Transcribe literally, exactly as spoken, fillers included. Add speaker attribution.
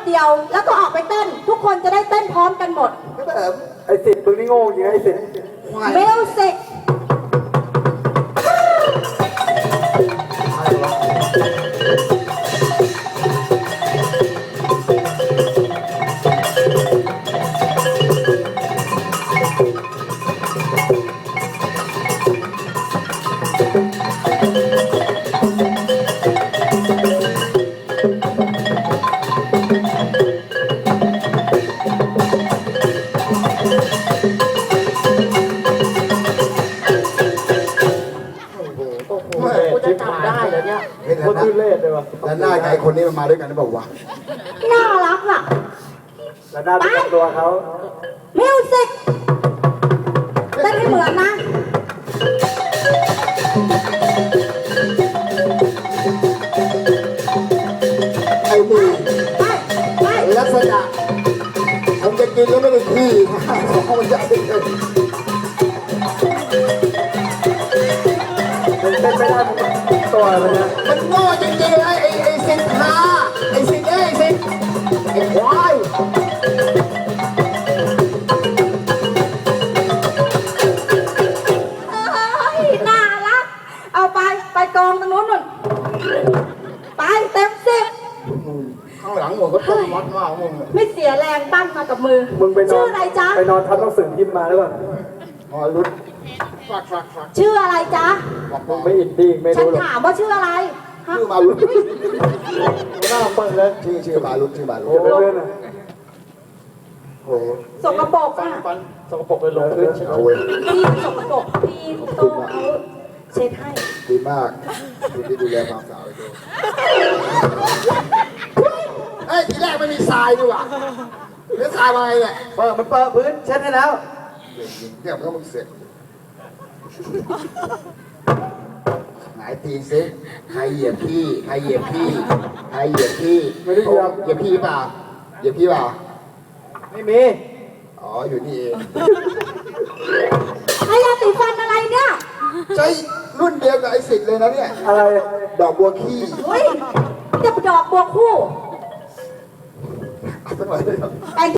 Speaker 1: เดียวแล้วก็ออกไปเต้นทุกคนจะได้เต้นพร้อมกันหมด
Speaker 2: ไอ้สิทธิ์มึงนี่โง่จริงไอ้สิทธิ์
Speaker 1: เมิวสิก
Speaker 2: ได้เหรอเนี่ยคนที่เล่นเลยวะ
Speaker 3: แล้วหน้าไงคนนี้มันมาด้วยกันหรือเปล่าวะ
Speaker 1: น่ารักอ่ะ
Speaker 2: แล้วหน้าเป็นตัวเขา
Speaker 1: มิวสิกเต้นให้เหมือนนะ
Speaker 3: ไอ้นี่
Speaker 1: ไปไป
Speaker 3: ลักษณะผมจะกินแล้วไม่ได้ขี้เขามันจะเป็น
Speaker 2: เต้นไม่ได้ตัวมันนะ
Speaker 3: มันโง่จริงๆไอ้ไอ้ไอ้สินค้าไอ้สินเอ้ไอ้สินไอ้ควาย
Speaker 1: น่ารักเอาไปไปกองตรงนู้นนู่นไปเต็มสิบ
Speaker 3: ข้างหลังหมดก็ต้มมัดมากมึง
Speaker 1: ไม่เสียแรงปั้นมากับมือ
Speaker 2: มึงไปนอน
Speaker 1: ชื่ออะไรจ๊ะ
Speaker 2: ไปนอนทับต้องสื่อพิมพ์มาแล้วก่อน
Speaker 3: อ๋อรุดฝากฝากฝาก
Speaker 1: ชื่ออะไรจ๊ะ
Speaker 2: มึงไม่อินดี้ไม่
Speaker 1: ฉัน
Speaker 2: รู้หรอก
Speaker 1: ถามว่าชื่ออะไร
Speaker 3: ชื่อมารุด
Speaker 2: หน้าเปิดเลย
Speaker 3: ชื่อชื่อมารุดชื่อมารุด
Speaker 2: อย่าไปเล่นนะ
Speaker 3: โอ้
Speaker 1: สกปรกอ่ะ
Speaker 2: สกปรกเลยลงพื้น
Speaker 3: เอาเว้ย
Speaker 1: พี่สกปรกพี่โตเขาเช็ดให้
Speaker 3: ดีมากคุณที่ดูแลความสะอาดเลยเฮ้ยทีแรกไม่มีทรายดีกว่าเนื้อทรายมาไงเนี่ย
Speaker 2: เปิดมันเปิดพื้นเช็ดให้แล้ว
Speaker 3: เดี๋ยวมันก็มึงเสร็จหงายตีนซิใครเหยียบพี่ใครเหยียบพี่ใครเหยียบพี่
Speaker 2: ไม่ได้เหยียบ
Speaker 3: เหยียบพี่เปล่าเหยียบพี่เปล่า
Speaker 2: ไม่มี
Speaker 3: อ๋ออยู่นี่เอง
Speaker 1: ไอ้ยาสีฟันอะไรเนี่ย
Speaker 3: ใช่รุ่นเดียวกับไอ้สิทธิ์เลยนะเนี่ย
Speaker 2: อะไร
Speaker 3: ดอกบัวขี้
Speaker 1: เฮ้ยจะดอกบัวคู่
Speaker 3: สักหน่อยเลย